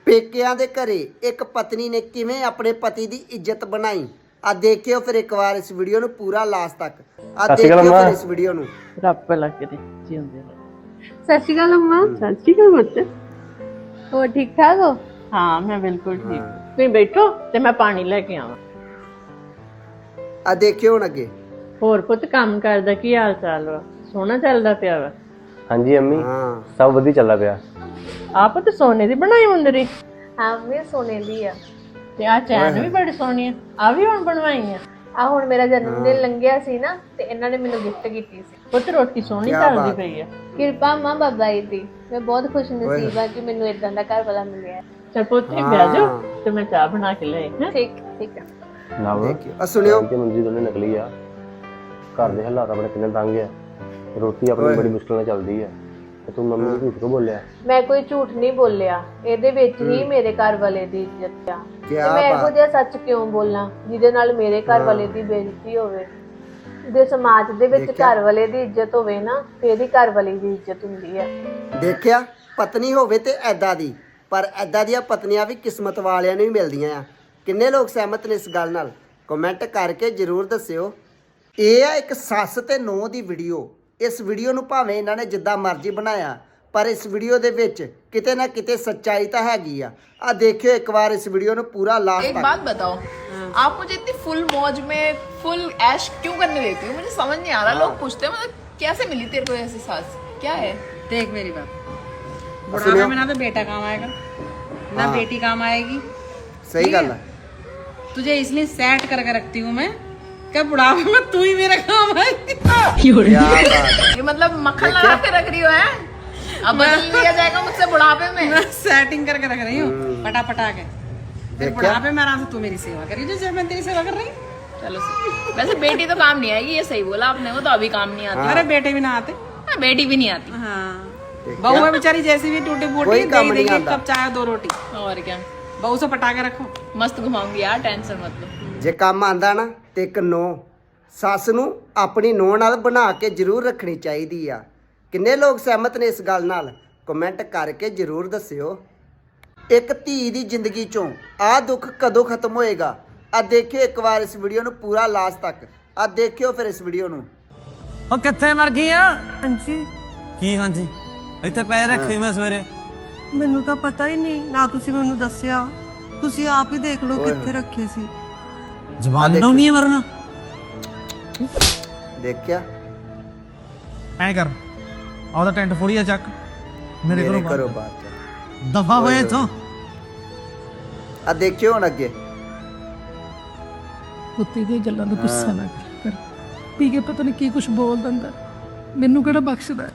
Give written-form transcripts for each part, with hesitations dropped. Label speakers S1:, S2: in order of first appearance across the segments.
S1: ਪੇਕਿਆਂ ਦੇ ਘਰੇ ਇੱਕ ਪਤਨੀ ਨੇ ਕਿਵੇਂ ਆਪਣੇ ਪਤੀ ਦੀ ਇੱਜ਼ਤ ਬਣਾਈ। ਆ ਦੇਖਿਓ ਫਿਰ ਇੱਕ ਵਾਰ ਇਸ ਵੀਡੀਓ ਨੂੰ ਪੂਰਾ ਲਾਸਟ ਤੱਕ। ਆ ਦੇਖਿਓ ਫਿਰ ਇਸ ਵੀਡੀਓ ਨੂੰ।
S2: ਰੱਬ ਲੱਗ ਕੇ ਜੀ ਹੁੰਦੇ।
S3: ਸਤਿ ਸ਼੍ਰੀ ਅਕਾਲ ਅੰਮਾ।
S2: ਸਤਿ ਸ਼੍ਰੀ ਅਕਾਲ ਬੱਚੇ।
S3: ਹੋਰ ਠੀਕ ਠਾਕ ਹੋ?
S2: ਹਾਂ ਮੈਂ ਬਿਲਕੁਲ ਠੀਕ। ਤੁਸੀਂ ਬੈਠੋ ਤੇ ਮੈਂ ਪਾਣੀ ਲੈ ਕੇ ਆਵਾਂ।
S1: ਆ ਦੇਖਿਓ ਹੁਣ ਅੱਗੇ।
S2: ਹੋਰ ਪੁੱਤ ਕੰਮ ਕਰਦਾ ਕੀ ਹਾਲ ਚਾਲ ਵਾ? ਸੋਹਣਾ ਚੱਲਦਾ ਪਿਆ ਵਾ?
S4: ਹਾਂਜੀ ਅੰਮੀ ਸਭ ਵਧੀਆ ਚੱਲਦਾ ਪਿਆ।
S2: ਆਪ ਤੇ ਸੋਨੇ ਦੀ ਬਣਾਈ ਮੁੰਦਰੀ।
S3: ਹਾਂ ਮੈਂ ਸੋਨੇ ਦੀ ਆ।
S2: ਤੇ ਆ ਚੈਨ ਵੀ ਬੜੀ ਸੋਹਣੀ ਆ। ਆ ਵੀ ਹੁਣ ਬਣਵਾਈ ਆ?
S3: ਆ ਹੁਣ ਮੇਰਾ ਜਨਮ ਦਿਨ ਲੰਘਿਆ ਸੀ ਨਾ ਤੇ ਇਹਨਾਂ ਨੇ ਮੈਨੂੰ ਗਿਫਟ ਕੀਤੀ ਸੀ।
S2: ਪੁੱਤ ਰੋਟੀ ਸੋਹਣੀ ਚੱਲਦੀ ਪਈ ਆ।
S3: ਕਿਰਪਾ ਮਾਂ ਬਾਬਾ ਜੀ ਦੀ। ਮੈਂ ਬਹੁਤ ਖੁਸ਼ ਨਸੀਬ ਆ ਕਿ ਮੈਨੂੰ ਇਦਾਂ ਦਾ ਘਰ ਵਾਲਾ ਮਿਲਿਆ।
S2: ਚਲ ਪੁੱਤ ਬਹਿ ਜਾਓ ਤੇ ਮੈਂ ਚਾਹ ਬਣਾ ਕੇ ਲੈ ਆਈ।
S3: ਠੀਕ ਠੀਕ ਆ।
S4: ਨਾ
S1: ਦੇਖਿਓ ਆ ਸੁਣਿਓ
S4: ਕਿ ਮੰਜੀ ਦੋਨੇ ਨਕਲੀ ਆ। ਘਰ ਦੇ ਹਾਲਾਤ ਆਪਣੇ ਕਿੰਨੇ ਤੰਗ ਆ। ਰੋਟੀ ਆਪਣੀ ਬੜੀ ਮੁਸ਼ਕਿਲ ਨਾਲ ਚੱਲਦੀ ਆ ਤੇ ਤੂੰ ਮੰਮੀ ਨੂੰ ਝੂਠ ਕਿਉਂ ਬੋਲਿਆ?
S3: ਮੈਂ ਕੋਈ ਝੂਠ ਨਹੀਂ ਬੋਲਿਆ। ਇਹਦੇ ਵਿੱਚ ਹੀ ਮੇਰੇ ਘਰ ਵਾਲੇ ਦੀ ਇੱਜ਼ਤ ਆ। ਤੇ
S1: ਕਿਆ
S3: ਮੈਂ ਇਹੋ ਜਿਹਾ ਸੱਚ ਕਿਉਂ ਬੋਲਾਂ ਜਿਹਦੇ ਨਾਲ ਮੇਰੇ ਘਰ ਵਾਲੇ ਦੀ ਬੇਇੱਜ਼ਤੀ ਹੋਵੇ। ਜੇ ਸਮਾਜ ਦੇ ਵਿੱਚ ਘਰ ਵਾਲੇ ਦੀ ਇੱਜ਼ਤ ਹੋਵੇ ਨਾ ਫੇਰ ਹੀ ਘਰ ਵਾਲੀ ਦੀ ਇੱਜ਼ਤ ਹੁੰਦੀ ਹੈ।
S1: ਦੇਖਿਆ ਪਤਨੀ ਹੋਵੇ ਤੇ ਐਦਾਂ ਦੀ, ਪਰ ਐਦਾਂ ਦੀਆਂ ਪਤਨੀਆਂ ਵੀ ਕਿਸਮਤ ਵਾਲਿਆਂ ਨੂੰ ਹੀ ਮਿਲਦੀਆਂ ਆ। ਕਿੰਨੇ ਲੋਕ ਸਹਿਮਤ ਨੇ ਇਸ ਗੱਲ ਨਾਲ? ਕਮੈਂਟ ਕਰਕੇ ਜ਼ਰੂਰ ਦੱਸਿਓ। ਇਹ ਆ ਇੱਕ ਸੱਸ ਤੇ ਨੂੰਹ ਦੀ ਵੀਡੀਓ। ਇਸ ਵੀਡੀਓ ਨੂੰ ਭਾਵੇਂ ਇਹਨਾਂ ਨੇ ਜਿੱਦਾਂ ਮਰਜ਼ੀ ਬਣਾਇਆ ਪਰ ਇਸ ਵੀਡੀਓ ਦੇ ਵਿੱਚ ਕਿਤੇ ਨਾ ਕਿਤੇ ਸੱਚਾਈ ਤਾਂ ਹੈਗੀ ਆ। ਆ ਦੇਖਿਓ ਇੱਕ ਵਾਰ ਇਸ ਵੀਡੀयो ਨੂੰ पूरा लास्ट।
S5: एक बात बताओ, आप मुझे इतनी फुल मौज में फुल ऐश क्यों करने देती हो? मुझे समझ नहीं आ रहा। लोग पूछते हैं मतलब कैसे मिली तेरे को ऐसी सास? क्या है?
S6: देख मेरी बात, बुढ़ापे में ना तो बेटा काम आएगा ना बेटी काम आएगी।
S1: सही गल है।
S6: तुझे इसलिए सेट करके रखती हूँ मैं कि बुढ़ापे में तू ही मेरा काम आएगी।
S1: क्या बात है।
S5: ये मतलब मक्खन लगा के रख रही हो है? अब बदल लिया जाएगा मुझसे बुढ़ापे में?
S6: मैं सेटिंग करके रख रही हूँ पटा पटा के। फिर बुढ़ापे में आराम से तू मेरी सेवा करी जैसे मैं तेरी सेवा कर रही हूँ।
S5: चलो वैसे बेटी तो काम नहीं आएगी, ये सही बोला आपने। वो तो अभी काम नहीं आती।
S6: अरे बेटे भी ना आते।
S5: हाँ, बेटी भी नहीं आती।
S6: हाँ बहू है बेचारी जैसी भी टूटी फूटी
S1: कोई काम
S6: दे
S1: नहीं
S6: देगी
S1: आता।
S6: कब चाहे 2 रोटी।
S5: और क्या,
S6: बहू से पटा के रखो।
S5: मस्त घुमाऊंगी यार, टेंशन मत लो।
S1: ਜੇ ਕੰਮ ਆਂਦਾ ਨਾ ਤੇ ਇੱਕ ਨੂੰਹ ਸੱਸ ਨੂੰ ਆਪਣੀ ਨੂੰਹ ਨਾਲ ਬਣਾ ਕੇ ਜ਼ਰੂਰ ਰੱਖਣੀ ਚਾਹੀਦੀ ਆ। ਕਿੰਨੇ ਲੋਕ ਸਹਿਮਤ ਨੇ ਇਸ ਗੱਲ ਨਾਲ? ਕਮੈਂਟ ਕਰਕੇ ਜ਼ਰੂਰ ਦੱਸਿਓ। ਇੱਕ ਧੀ ਦੀ ਜ਼ਿੰਦਗੀ ਚੋਂ ਆਹ ਦੁੱਖ ਕਦੋਂ ਖਤਮ ਹੋਏਗਾ? ਆ ਦੇਖਿਓ ਇੱਕ ਵਾਰ ਇਸ ਵੀਡੀਓ ਨੂੰ ਪੂਰਾ ਲਾਸਟ ਤੱਕ। ਆ ਦੇਖਿਓ ਫਿਰ ਇਸ ਵੀਡੀਓ ਨੂੰ।
S7: ਉਹ ਕਿੱਥੇ ਮਰ ਗਈ ਆ? ਹਾਂਜੀ ਕੀ ਹਾਂਜੀ? ਇੱਥੇ ਪੈ ਰੱਖੇ ਮੈਂ ਸਵੇਰੇ।
S8: ਮੈਨੂੰ ਤਾਂ ਪਤਾ ਹੀ ਨਹੀਂ ਨਾ, ਤੁਸੀਂ ਮੈਨੂੰ ਦੱਸਿਆ। ਤੁਸੀਂ ਆਪ ਹੀ ਦੇਖ ਲਓ ਕਿੱਥੇ ਰੱਖੇ ਸੀ।
S7: ਜ਼ਬਾਨ ਨੂੰ ਨਹੀਂ ਮਰਨਾ।
S1: ਦੇਖਿਆ
S7: ਐ ਕਰ ਆਉਦਾ ਟੈਂਟ ਫੋੜੀਆ ਚੱਕ ਮੇਰੇ
S1: ਮੇਰੇ
S7: ਘਰੋਂ
S1: ਘਰੋਂ ਬਾਹਰ ਚੱਲ।
S7: ਦਫਾ ਹੋਏ ਇੱਥੋਂ।
S1: ਆ ਦੇਖਿਓ ਹੁਣ ਅੱਗੇ।
S9: ਕੁੱਤੇ ਦੀਆਂ ਗੱਲਾਂ ਦਾ ਗੁੱਸਾ ਨਾ ਕਰ। ਪੀ ਕੇ ਪਤਾ ਨਹੀਂ ਕੀ ਕੁਝ ਬੋਲ ਦਿੰਦਾ। ਮੈਨੂੰ ਕਿਹੜਾ ਬਖਸ਼ਦਾ?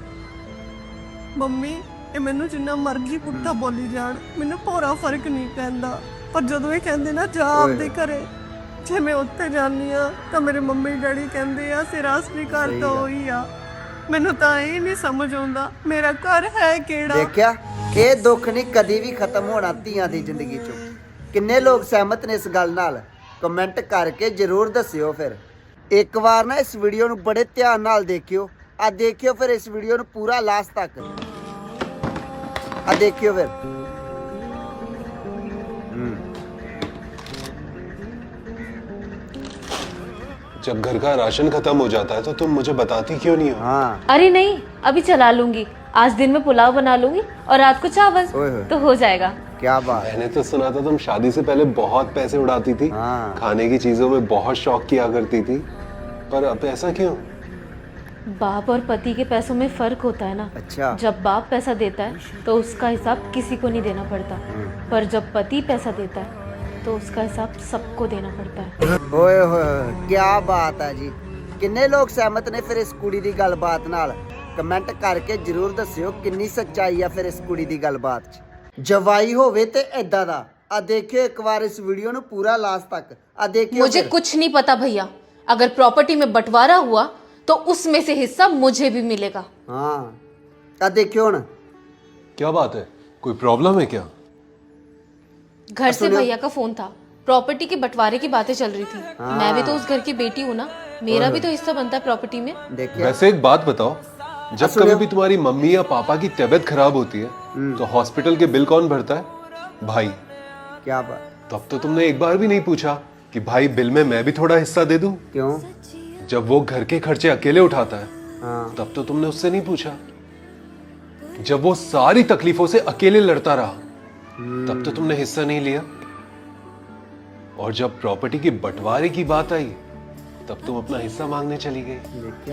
S8: ਮੰਮੀ ਇਹ ਮੈਨੂੰ ਜਿੰਨਾ ਮਰਜ਼ੀ ਪੁੱਠਾ ਬੋਲੀ ਜਾਣ ਮੈਨੂੰ ਭੋਰਾ ਫਰਕ ਨਹੀਂ ਪੈਂਦਾ, ਪਰ ਜਦੋਂ ਇਹ ਕਹਿੰਦੇ ਨਾ ਜਾ ਆਪਦੇ ਘਰੇ, ਜੇ ਮੈਂ ਉੱਥੇ ਜਾਂਦੀ ਆ ਤਾਂ ਮੇਰੇ ਮੰਮੀ ਡੈਡੀ ਕਹਿੰਦੇ ਆ ਸਿਰਾਸਰੀ ਘਰ ਤਾਂ ਉਹੀ ਆ। ਮੈਨੂੰ ਤਾਂ ਇਹ ਨਹੀਂ ਸਮਝ ਆਉਂਦਾ ਮੇਰਾ ਘਰ ਹੈ ਕਿਹੜਾ।
S1: ਦੇਖਿਆ ਇਹ ਦੁੱਖ ਨਹੀਂ ਕਦੀ ਵੀ ਖਤਮ ਹੋਣਾ ਧੀਆਂ ਦੀ ਜ਼ਿੰਦਗੀ ਚੋਂ। ਕਿੰਨੇ ਲੋਕ ਸਹਿਮਤ ਨੇ ਇਸ ਗੱਲ ਨਾਲ? ਕਮੈਂਟ ਕਰਕੇ ਜ਼ਰੂਰ ਦੱਸਿਓ। ਫਿਰ ਇੱਕ ਵਾਰ ਨਾ ਇਸ ਵੀਡੀਓ ਨੂੰ ਬੜੇ ਧਿਆਨ ਨਾਲ ਦੇਖਿਓ। ਆ ਦੇਖਿਓ ਫਿਰ ਇਸ ਵੀਡੀਓ ਨੂੰ ਪੂਰਾ ਲਾਸਟ ਤੱਕ। ਆ ਦੇਖਿਓ ਫਿਰ।
S10: जब घर का राशन खत्म हो जाता है तो तुम मुझे बताती क्यों नहीं हो?
S1: हाँ
S3: अरे नहीं, अभी चला लूंगी। आज दिन में पुलाव बना लूंगी और रात को चावल, तो हो जाएगा।
S1: क्या बात है।
S10: मैंने तो सुना था तुम शादी से पहले बहुत पैसे उड़ाती थी।
S1: हाँ।
S10: खाने की चीजों में बहुत शौक किया करती थी, पर अब ऐसा क्यों?
S3: बाप और पति के पैसों में फर्क होता है ना।
S1: अच्छा।
S3: जब बाप पैसा देता है तो उसका हिसाब किसी को नहीं देना पड़ता, पर जब पति पैसा देता है तो उसका हिसाब सबको देना पड़ता है।
S1: ਓਏ ਹੋਏ ਕੀ ਬਾਤ ਹੈ ਜੀ। ਕਿੰਨੇ ਲੋਕ ਸਹਿਮਤ ਨੇ ਫਿਰ ਇਸ ਕੁੜੀ ਦੀ ਗੱਲਬਾਤ ਨਾਲ? ਕਮੈਂਟ ਕਰਕੇ ਜ਼ਰੂਰ ਦੱਸਿਓ ਕਿੰਨੀ ਸੱਚਾਈ ਆ ਫਿਰ ਇਸ ਕੁੜੀ ਦੀ ਗੱਲਬਾਤ 'ਚ। ਜਵਾਈ ਹੋਵੇ ਤੇ ਐਦਾਂ ਦਾ। ਆ ਦੇਖਿਓ ਇੱਕ ਵਾਰ ਇਸ ਵੀਡੀਓ ਨੂੰ ਪੂਰਾ ਲਾਸਟ ਤੱਕ। ਆ ਦੇਖਿਓ।
S11: मुझे कुछ नहीं पता भैया, अगर प्रॉपर्टी में बंटवारा हुआ तो उसमें से हिस्सा मुझे भी मिलेगा।
S1: हाँ आ देखियो ਹੁਣ।
S10: क्या बात है, कोई प्रॉब्लम है क्या?
S11: घर से भैया का फोन था, प्रॉपर्टी के बंटवारे की बातें चल रही थी। मैं भी तो उस घर की बेटी हूँ ना, मेरा भी तो हिस्सा बनता है प्रॉपर्टी में।
S1: देखिए
S10: वैसे एक बात बताओ, जब कभी भी तुम्हारी मम्मी या पापा की तबीयत खराब होती है तो हॉस्पिटल के बिल कौन भरता है? भाई।
S1: क्या बात।
S10: तब तो तुमने एक बार भी नहीं पूछा कि भाई बिल में मैं भी थोड़ा हिस्सा दे दूं।
S1: क्यों?
S10: जब वो घर के खर्चे अकेले उठाता है
S1: हाँ।
S10: तब तो तुमने उससे नहीं पूछा। जब वो सारी तकलीफों से अकेले लड़ता रहा तब तो तुमने हिस्सा नहीं लिया। और जब प्रॉपर्टी के बंटवारे की बात आई तब तुम अपना हिस्सा मांगने चली गई।
S1: देखिया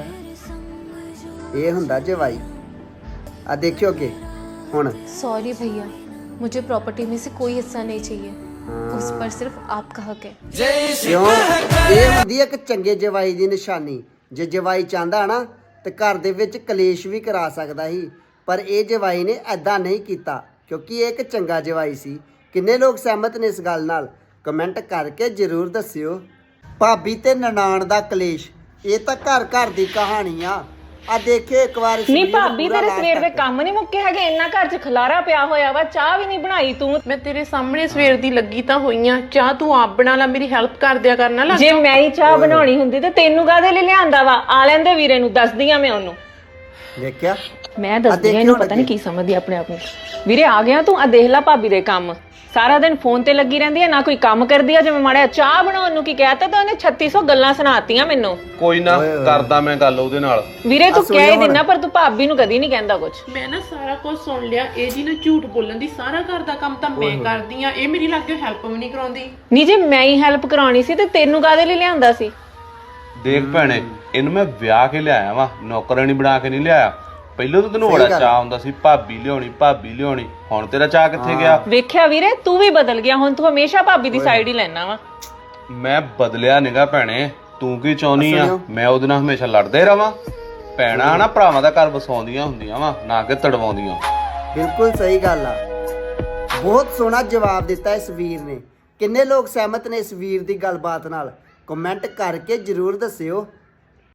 S1: ਇਹ ਹੁੰਦਾ ਜਵਾਈ। ਆ ਦੇਖਿਓ ਕਿ ਹੁਣ
S11: सॉरी भैया, मुझे प्रॉपर्टी में से कोई हिस्सा नहीं चाहिए। उस पर सिर्फ आपका हक है।
S1: ਕਿਉਂ? ਇਹ ਹੁੰਦੀ ਹੈ ਇੱਕ ਚੰਗੇ ਜਵਾਈ ਦੀ ਨਿਸ਼ਾਨੀ। ਜੇ ਜਵਾਈ ਚਾਹੁੰਦਾ ਨਾ ਤੇ ਘਰ ਦੇ ਵਿੱਚ ਕਲੇਸ਼ ਵੀ ਕਰਾ ਸਕਦਾ ਸੀ, ਪਰ ਇਹ ਜਵਾਈ ਨੇ ਐਦਾਂ ਨਹੀਂ ਕੀਤਾ ਕਿਉਂਕਿ ਇਹ ਇੱਕ ਚੰਗਾ ਜਵਾਈ ਸੀ। ਕਿੰਨੇ ਲੋਕ ਸਹਿਮਤ ਨੇ ਇਸ ਗੱਲ ਨਾਲ? ਕਮੈਂਟ ਕਰਕੇ ਜ਼ਰੂਰ ਦੱਸਿਓ। ਭਾਬੀ ਤੇ ਨਨਾਣ ਦਾ ਕਲੇਸ਼, ਇਹ ਤਾਂ ਘਰ ਘਰ ਦੀ ਕਹਾਣੀ ਆ। ਆ ਦੇਖਿਓ ਇੱਕ ਵਾਰ
S2: ਨਹੀਂ ਭਾਬੀ, ਤੇਰੇ ਸਵੇਰ ਦੇ ਕੰਮ ਨਹੀਂ ਮੁੱਕੇ ਹੈਗੇ, ਇੰਨਾ ਘਰ 'ਚ ਖਲਾਰਾ ਪਿਆ ਹੋਇਆ ਵਾ, ਚਾਹ ਵੀ ਨਹੀਂ ਬਣਾਈ ਤੂੰ।
S5: मैं तेरे सामने सवेर दी लगी तां होई ਆਂ, ਚਾਹ ਤੂੰ ਆਪ ਬਣਾ ਲੈ, ਮੇਰੀ ਹੈਲਪ ਕਰ ਦਿਆ ਕਰਨਾ ਲਾ।
S2: ਜੇ ਮੈਂ ਹੀ ਚਾਹ ਬਣਾਉਣੀ ਹੁੰਦੀ ਤੇ ਤੈਨੂੰ ਕਾਹਦੇ ਲਈ ਲਿਆਂਦਾ ਵਾ? ਆ ਲੈਂਦੇ ਵੀਰੇ ਨੂੰ, ਦੱਸਦੀ ਆ ਮੈਂ ਉਹਨੂੰ।
S1: ਦੇਖਿਆ
S2: ਮੈਂ ਦੱਸਦੀ ਆ ਇਹਨੂੰ, ਪਤਾ ਨਹੀਂ ਕੀ ਸਮਝਦੀ ਆਪਣੇ ਆਪ ਨੂੰ। ਵੀਰੇ ਆ ਗਿਆ ਤੂੰ? ਆ ਦੇਖ ਲੈ ਭਾਬੀ ਦੇ ਕੰਮ, ਸਾਰਾ ਦਿਨ ਫੋਨ ਤੇ ਲੱਗੀ ਰਹਿੰਦੀ ਹੈ, ਨਾ ਕੋਈ ਕੰਮ ਕਰਦੀ ਆ। ਜਿਵੇਂ ਮਾੜਾ ਚਾਹ ਬਣਾਉਣ ਨੂੰ ਕੀ ਕਹਿਤਾ ਤਾਂ ਉਹਨੇ 3600 ਗੱਲਾਂ ਸੁਣਾਤੀਆਂ ਮੈਨੂੰ।
S4: ਕੋਈ ਨਾ ਕਰਦਾ ਮੈਂ ਗੱਲ ਉਹਦੇ ਨਾਲ।
S2: ਵੀਰੇ ਤੂੰ ਕਹਿ ਹੀ ਦਿੰਨਾ, ਪਰ ਤੂੰ ਭਾਬੀ ਨੂੰ ਕਦੀ ਨਹੀਂ ਕਹਿੰਦਾ ਕੁਝ।
S5: ਮੈਂ ਨਾ ਸਾਰਾ ਕੁਝ ਸੁਣ ਲਿਆ। ਇਹ ਜੀ ਨਾ ਝੂਠ ਬੋਲਣ ਦੀ, ਸਾਰਾ ਘਰ ਦਾ ਕੰਮ ਤਾਂ ਮੈਂ ਕਰਦੀ ਆ, ਇਹ ਮੇਰੀ ਲਾਗੇ ਹੈਲਪ ਵੀ ਨਹੀਂ ਕਰਾਉਂਦੀ।
S2: ਨਹੀਂ ਜੇ ਮੈਂ ਹੀ ਹੈਲਪ ਕਰਾਉਣੀ ਸੀ ਤੇ ਤੈਨੂੰ ਕਾਹਦੇ ਲਈ ਲਿਆਂਦਾ ਸੀ?
S4: ਦੇਖ ਭੈਣੇ, ਇਹਨੂੰ ਮੈਂ ਵਿਆਹ ਕੇ ਲਿਆਇਆ ਵਾ, ਨੌਕਰਾਨੀ ਬਣਾ ਕੇ ਨਹੀਂ ਲਿਆਇਆ। ਪਹਿਲਾਂ ਤਾਂ ਤੈਨੂੰ ਬੜਾ ਚਾਹ ਹੁੰਦਾ ਸੀ ਭਾਬੀ ਲਿਆਉਣੀ, ਹੁਣ ਤੇਰਾ ਚਾਹ ਕਿੱਥੇ ਗਿਆ?
S2: ਵੇਖਿਆ ਵੀਰੇ, ਤੂੰ ਵੀ ਬਦਲ ਗਿਆ, ਹੁਣ ਤੂੰ ਹਮੇਸ਼ਾ ਭਾਬੀ ਦੀ ਸਾਈਡ ਹੀ ਲੈਣਾ ਵਾ।
S4: ਮੈਂ ਬਦਲਿਆ ਨਿਗਾ ਭੈਣੇ, ਤੂੰ ਕੀ ਚਾਹੁੰਦੀ ਆ? ਮੈਂ ਉਹਦੇ ਨਾਲ ਹਮੇਸ਼ਾ ਲੜਦਾ ਹੀ ਰਵਾਂ? ਭੈਣਾਂ ਨਾ ਭਰਾਵਾਂ ਦਾ ਘਰ ਵਸਾਉਂਦੀਆਂ ਹੁੰਦੀਆਂ ਵਾ, ਨਾ ਕਿ ਤੜਵਾਉਂਦੀਆਂ।
S1: ਬਿਲਕੁਲ ਸਹੀ ਗੱਲ ਆ। ਬਹੁਤ ਸੋਹਣਾ ਜਵਾਬ ਦਿੱਤਾ ਇਸ ਵੀਰ ਨੇ। ਕਿੰਨੇ ਲੋਕ ਸਹਿਮਤ ਨੇ ਇਸ ਵੀਰ ਦੀ ਗੱਲਬਾਤ ਨਾਲ? ਕਮੈਂਟ ਕਰਕੇ ਜ਼ਰੂਰ ਦੱਸਿਓ।